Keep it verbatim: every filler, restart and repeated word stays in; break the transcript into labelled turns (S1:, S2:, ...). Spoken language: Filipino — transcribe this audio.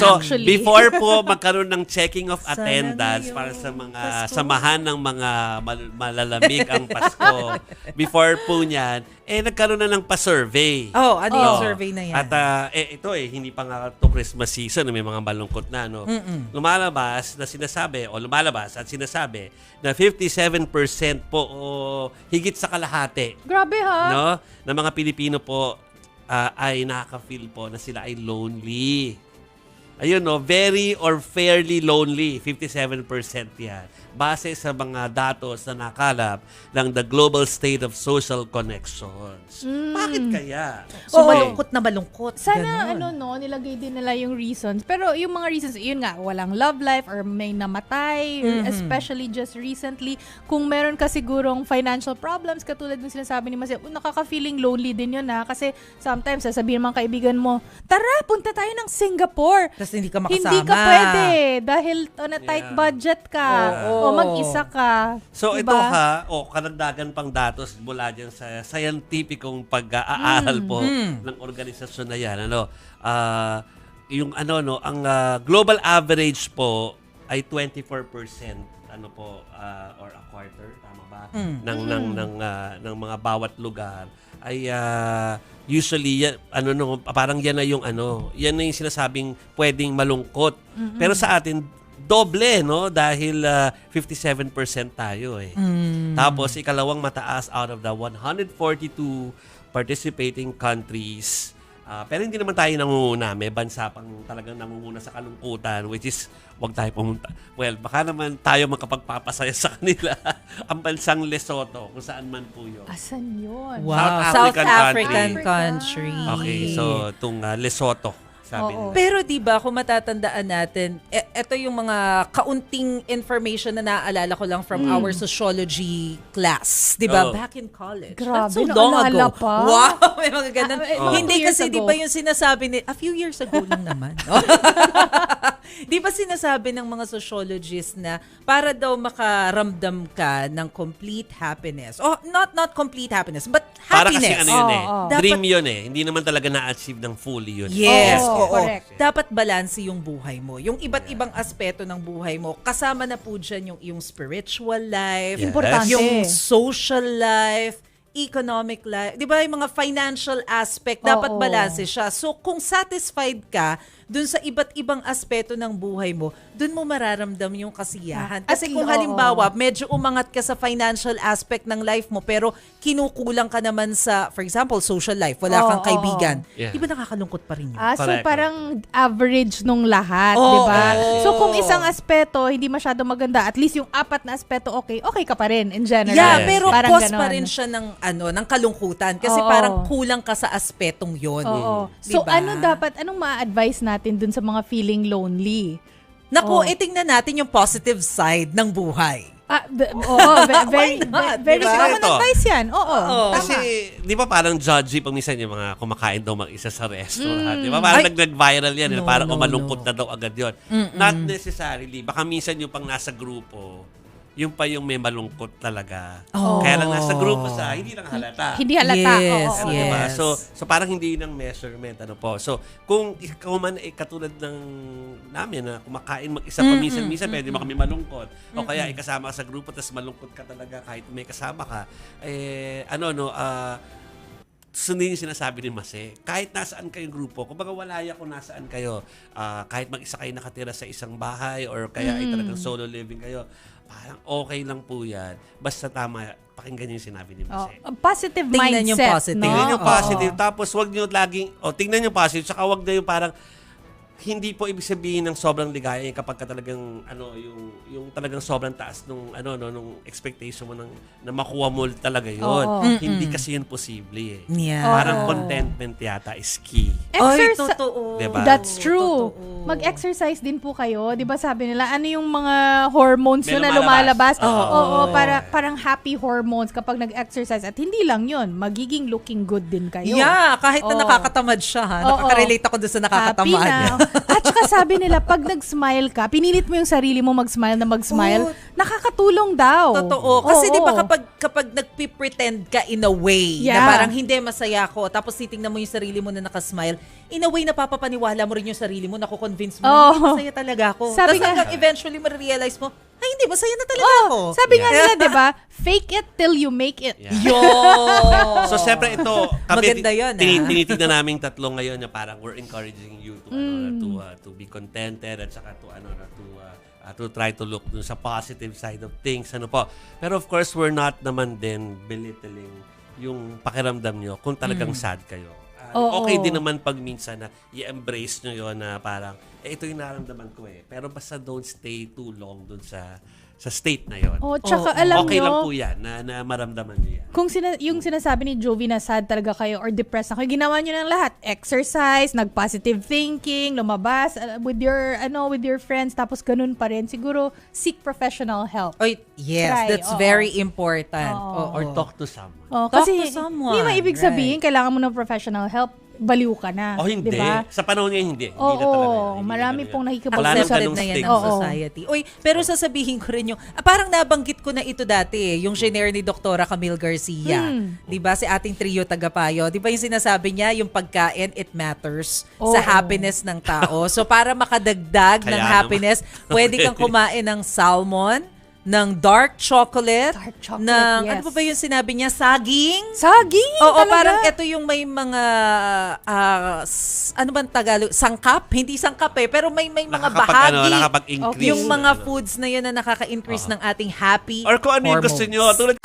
S1: So,
S2: actually.
S1: before po magkaroon ng checking of
S3: Sana
S1: attendance
S3: ngayong
S1: para sa mga
S3: Pasko.
S1: samahan ng mga mal- malalamig ang Pasko, before po niyan, eh nagkaroon na ng pa-survey.
S3: Oh, ano yung
S1: Oo.
S3: survey na yan?
S1: At ah, eh, ito eh, hindi pa nga to Christmas season, may mga malungkot na, no?
S3: Mm-mm.
S1: Lumalabas na sinasabi, o lumalabas at sinasabi na fifty-seven percent po o higit sa kalahati,
S2: Grabe ha?
S1: no, ng mga Pilipino po ah, ay nakaka-feel po na sila ay lonely. Ayun, no, very or fairly lonely, fifty-seven percent yan. Base sa mga datos na nakalap ng the Global State of Social Connections. Bakit kaya?
S3: So,
S2: Oo.
S3: malungkot na malungkot.
S2: Sana
S3: Ganon.
S2: ano no, nilagay din nila yung reasons. Pero yung mga reasons, yun nga, walang love life or may namatay,
S3: Mhm.
S2: especially just recently. Kung meron ka sigurong financial problems, katulad ng sinasabi ni Masya, nakaka-feeling lonely din yun ha. Kasi sometimes, sasabihin ng mga kaibigan mo, tara, punta tayo ng Singapore.
S3: Kasi hindi ka makasama.
S2: Hindi ka pwede dahil on a tight
S1: Yeah.
S2: budget ka
S3: Oo.
S2: o mag-isa ka.
S1: So
S2: diba?
S1: ito ha, o karagdagan pang datos mula dyan sa scientificong pag-aaral po
S3: Mm.
S1: ng organisasyon na yan. Ano, ah, yung ano no, ang ah, global average po ay twenty-four percent ano po ah, or a quarter, tama ba?
S3: Mm.
S1: ng ng ng ah, ng mga bawat lugar ay ah, usually yan, ano no, parang yan na yung ano, yan na yung sinasabing pwedeng malungkot. Pero sa atin doble, no? Dahil ah, fifty-seven percent tayo eh.
S3: Mm.
S1: Tapos ikalawang mataas out of the one hundred forty-two participating countries. Ah, pero hindi naman tayo nangunguna. May bansa pang talagang nangunguna sa kalungkutan, which is wag tayo pumunta. Well, baka naman tayo makapagpapasaya sa kanila. Ang bansang Lesotho, kung saan man po yun.
S2: Asan yun?
S3: Wow.
S1: South
S3: South
S1: African
S3: African
S2: country.
S3: country.
S1: Okay, so itong ah, Lesotho, sabi
S2: Oo.
S1: nila.
S3: Pero 'di ba kung matatandaan natin, e- ito yung mga kaunting information na naaalala ko lang from our sociology class, 'di ba?
S1: Oh.
S3: Back in college.
S2: Grabe,
S3: That's so long
S2: naalala
S3: ago.
S2: pa.
S3: Wow, may mga ganun.
S2: Ah, eh,
S1: mga
S3: Hindi
S2: two years
S3: kasi 'di
S2: ago.
S3: ba yung sinasabi ni a few years ago lang naman. 'Di ba sinasabi ng mga sociologists na para daw makaramdam ka ng complete happiness. Oh, not not complete happiness, but
S1: Para
S3: happiness.
S1: kasi ano yun
S2: Oo,
S1: eh.
S2: oo.
S1: Dream yun eh. Hindi naman talaga na-achieve ng fully yun.
S3: Yes,
S2: Oo,
S3: oo.
S2: correct.
S3: Dapat balanse yung buhay mo. Yung iba't ibang aspeto ng buhay mo. Kasama na po dyan yung iyong spiritual life,
S1: Yes.
S2: Importante.
S3: yung social life, economic life. Di ba yung mga financial aspect, dapat
S2: Oo.
S3: balanse siya. So kung satisfied ka dun sa iba't ibang aspeto ng buhay mo, dun mo mararamdam yung kasiyahan.
S2: At
S3: Kasi kung
S2: oo.
S3: halimbawa, medyo umangat ka sa financial aspect ng life mo, pero kinukulang ka naman sa, for example, social life, wala
S2: Oo,
S3: kang kaibigan,
S1: Yeah.
S3: di ba nakakalungkot pa rin yun?
S2: Ah, so
S1: Correct.
S2: parang average nung lahat,
S3: Oo.
S2: 'di ba?
S3: Oo.
S2: So kung isang aspeto hindi masyado maganda, at least yung apat na aspeto okay, okay ka pa rin in general.
S3: Yeah,
S1: Yes,
S3: pero
S1: yes.
S2: Parang
S3: cause pa
S2: ganon.
S3: rin siya ng ano, ng kalungkutan kasi
S2: Oo.
S3: parang kulang ka sa aspetong 'yon.
S2: Oo. So
S3: Diba?
S2: ano dapat anong ma-advise natin dun sa mga feeling lonely?
S3: Naku,
S2: Oo.
S3: eh, tingnan natin yung positive side ng buhay.
S2: Ah, b- oo, ve- very,
S3: Why not,
S2: very
S3: diba?
S2: common
S1: Ito.
S2: advice yan. Oo.
S3: Oo.
S1: Kasi, di ba parang judgy pag minsan yung mga kumakain daw mag-isa sa restaurant. Di ba?
S3: Ay.
S1: Parang nag-viral yan. eh,
S3: No,
S1: parang
S3: no,
S1: umalungkot
S3: no.
S1: na daw agad yun. Not necessarily. Baka minsan yung pang nasa grupo, yung pa yung may malungkot talaga.
S3: Oh.
S1: Kaya lang nasa grupo sa, hindi lang halata.
S2: Hindi halata.
S3: Yes,
S2: Oo, oo.
S1: Ano, diba?
S3: yes.
S1: So, so parang hindi ng measurement. Ano po. So, kung ikaw man eh, katulad ng namin na kumakain mag-isa pa minsan-minsan, pwede mo kami malungkot. O kaya ikasama ka sa grupo, tapos malungkot ka talaga kahit may kasama ka. Eh, ano, no, ah, sundin yung sinasabi ni Mase. Kahit nasaan kayong grupo, kumbaga walaya kung nasaan kayo, ah, kahit mag-isa kayo nakatira sa isang bahay or kaya ay talagang solo living kayo, parang okay lang po yan. Basta tama, pakinggan yung sinabi ni
S2: Oh,
S1: Mase.
S2: a positive
S3: Tingnan
S2: mindset,
S3: yung positive.
S2: no?
S1: Tingnan yung
S2: Oo.
S1: positive. Tapos wag niyo laging, o tingnan yung positive, saka wag na yung parang, hindi po ibig sabihin ng sobrang ligaya eh, kapag ka talagang ano yung yung talagang sobrang taas nung ano no nung expectation mo ng na makuha mo talaga yun.
S2: Oo.
S1: Hindi kasi yun posible eh.
S3: Yeah.
S1: Parang
S2: Oo.
S1: contentment yata is key.
S3: Ay,
S2: Exercise.
S3: totoo.
S1: Diba?
S2: That's true.
S3: Totoo.
S2: Mag-exercise din po kayo. 'Di ba sabi nila, ano yung mga hormones
S1: May
S2: yun na
S1: lumalabas.
S2: lumalabas?
S1: Oo.
S2: Oo, para, parang happy hormones kapag nag-exercise. At hindi lang yun, magiging looking good din kayo.
S3: Yeah, kahit na
S2: Oo.
S3: nakakatamad siya ha.
S2: Oo.
S3: Nakaka-relate ako doon sa
S2: Happy
S3: nakakatamad.
S2: na. At saka sabi nila, pag nag-smile ka, pinilit mo yung sarili mo mag-smile na mag-smile,
S3: Oo.
S2: nakakatulong daw.
S3: Totoo. Kasi
S2: Oo.
S3: di ba kapag, kapag nagpipretend ka in a way,
S2: Yeah.
S3: na parang hindi masaya ako, tapos titingnan mo yung sarili mo na nakasmile, in a way napapapaniwala mo rin yung sarili mo, nakukonvince mo,
S2: Oo.
S3: hindi masaya talaga ako.
S2: Sabi
S3: Tapos
S2: nga-
S3: hanggang eventually marirealize mo, ay hindi, masaya na talaga
S2: Oh,
S3: ako.
S2: sabi nga nila, di ba? Fake it till you make it.
S1: Yeah.
S3: Yo!
S1: So, siyempre ito, kami,
S3: Maganda yun,
S1: tini-
S3: ah.
S1: tinitignan namin tatlo ngayon na parang we're encouraging you to, ano,
S2: Mm.
S1: na, to, uh, to be contented at saka to, ano, na, to, uh, uh, to try to look dun sa positive side of things. Ano po. Pero of course, we're not naman din belittling yung pakiramdam nyo kung talagang sad kayo. Uh,
S2: Oo.
S1: okay din naman pag minsan na i-embrace nyo yun na parang, eh, ito yung naramdaman ko eh. Pero basta don't stay too long dun sa sa state na yun.
S2: Oh, tsaka
S3: Oo.
S2: alam
S1: Okay
S2: nyo,
S1: lang po yan na, na maramdaman nyo yan.
S2: kung sina- yung sinasabi ni Jovi na sad talaga kayo or depressed na kayo, ginawa nyo ng lahat. Exercise, nag-positive thinking, lumabas uh, with your ano with your friends, tapos ganun pa rin. Siguro, seek professional help.
S3: Oy, yes,
S2: Try,
S3: that's
S2: oo.
S3: very important.
S2: Oo.
S3: Oo.
S1: Or talk to someone.
S2: Oh,
S3: Talk
S2: kasi
S3: to someone,
S2: hindi maibig
S3: right.
S2: sabihin, kailangan mo ng professional help, baliw ka na.
S1: Oh, hindi.
S2: Diba?
S1: Sa panahon niya, hindi. Hindi
S2: Oo,
S1: na talaga. Hindi
S2: marami
S1: na talaga.
S2: pong nakikipag-
S1: Wala nang
S3: Accepted
S1: ganong
S3: na yan
S1: stigma.
S3: ng
S2: Oo.
S3: society. Uy, pero sasabihin ko rin yung, ah, parang nabanggit ko na ito dati eh, yung share ni Doktora Camille Garcia.
S2: Hmm.
S3: Di ba? Si ating trio tagapayo. Di ba yung sinasabi niya, yung pagkain, it matters sa
S2: Oo.
S3: happiness ng tao. So para makadagdag ng
S1: Kaya
S3: happiness, pwede kang
S1: Okay.
S3: kumain ng salmon, ng dark chocolate,
S2: Dark chocolate,
S3: ng,
S2: yes.
S3: ano pa ba yung sinabi niya? Saging?
S2: Saging!
S3: Oo,
S2: talaga.
S3: parang ito yung may mga, ah, s- ano bang Tagalog? Sangkap? Hindi sangkap eh, pero may may mga
S1: Nakakapag,
S3: bahagi.
S1: ano, nakakapag-increase.
S3: Yung mga
S1: Ano.
S3: foods na yun na nakaka-increase
S1: Oo.
S3: ng ating happy
S1: Or kung ano yung gusto
S3: hormones.
S1: nyo. Tulad